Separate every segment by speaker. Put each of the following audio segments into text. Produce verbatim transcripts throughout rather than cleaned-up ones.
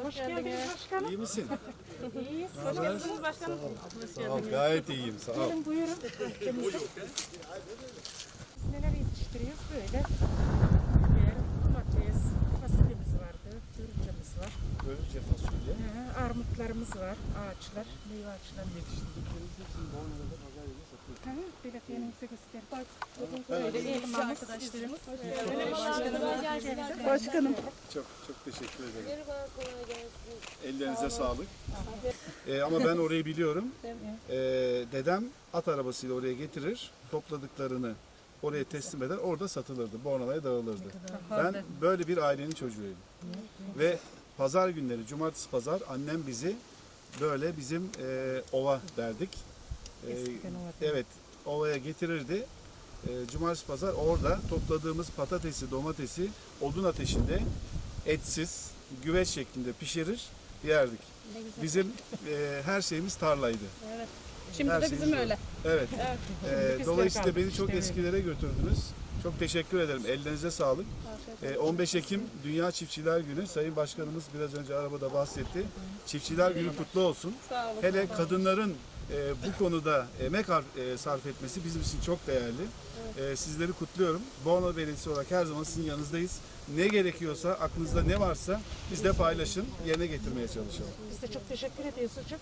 Speaker 1: Hoş geldiniz başkanım.
Speaker 2: İyi misin?
Speaker 1: İyiyiz. Hoş geldiniz başkanım. Hoş
Speaker 2: Sağ ol, gayet iyiyim. Sağ ol.
Speaker 1: Gelin buyurun. Bahçemize. Biz neler yetiştiriyoruz böyle. Biber, domates, fasulyemiz vardı, börülcemiz var.
Speaker 2: Böylece fasulye.
Speaker 1: Ee, armutlarımız var, ağaçlar, meyve ağaçları.
Speaker 2: Yetiştirdikleriniz hepsini Bornova'da pazar yerine satıyoruz.
Speaker 1: Ha, böyle kendinize gösterin. Bak,
Speaker 3: Böyle eğitimci arkadaşlarımız. Başkanım.
Speaker 1: Başkanım.
Speaker 2: Çok çok teşekkür ederim. Ellerinize sağlık. Ee, ama ben orayı biliyorum. Ee, dedem at arabasıyla oraya getirir, topladıklarını oraya teslim eder, orada satılırdı, Bornova'ya dağılırdı. Ben böyle bir ailenin çocuğuyum. Ve pazar günleri, cumartesi pazar annem bizi böyle bizim e, ova derdik. E, evet, ovaya getirirdi. E, cumartesi pazar orada topladığımız patatesi, domatesi odun ateşinde etsiz, güveç şeklinde pişirir, yerdik. Bizim e, her şeyimiz tarlaydı.
Speaker 3: Şimdi
Speaker 2: Her
Speaker 3: de
Speaker 2: şeyimiz
Speaker 3: bizim
Speaker 2: öyle.
Speaker 3: öyle.
Speaker 2: Evet. E,
Speaker 1: Biz
Speaker 2: dolayısıyla
Speaker 1: de
Speaker 2: beni
Speaker 1: kaldık
Speaker 2: çok
Speaker 1: işte,
Speaker 2: eskilere götürdünüz. Çok teşekkür ederim. Ellerinize sağlık. E, on beş Ekim Dünya Çiftçiler Günü. Sayın Başkanımız biraz önce arabada bahsetti. Çiftçiler Günü kutlu olsun.
Speaker 3: Sağ olun.
Speaker 2: Hele kadınların e, bu konuda emek har- e, sarf etmesi bizim için çok değerli. E, sizleri kutluyorum. Bornova Belediyesi olarak her zaman sizin yanınızdayız. Ne gerekiyorsa, aklınızda ne varsa bizle paylaşın, yerine getirmeye çalışalım.
Speaker 1: Biz de çok teşekkür ediyoruz hocam.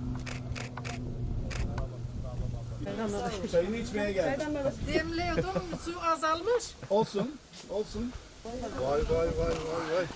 Speaker 2: Çayını içmeye geldim.
Speaker 3: Demliyordum, su azalmış.
Speaker 2: Olsun, olsun. Vay vay vay vay vay.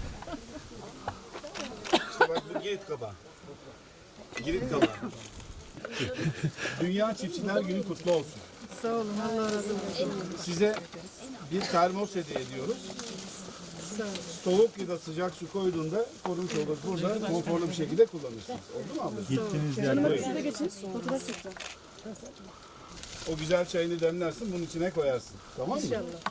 Speaker 2: İşte bak bu Girit kaba. Girit kaba. Dünya Çiftçiler Günü kutlu olsun.
Speaker 1: Sağ olun, Allah razı olsun.
Speaker 2: Size bir termos hediye ediyoruz. Soğuk ya da sıcak su koyduğunda korunmuş olur. Burada konforlu bir şekilde kullanırsınız. Oldu mu ablacığım?
Speaker 4: Gittiniz yerler.
Speaker 3: Siz de geçin, fotoğraf çekeceğim.
Speaker 2: O güzel çayını demlersin, bunun içine koyarsın. Tamam mı?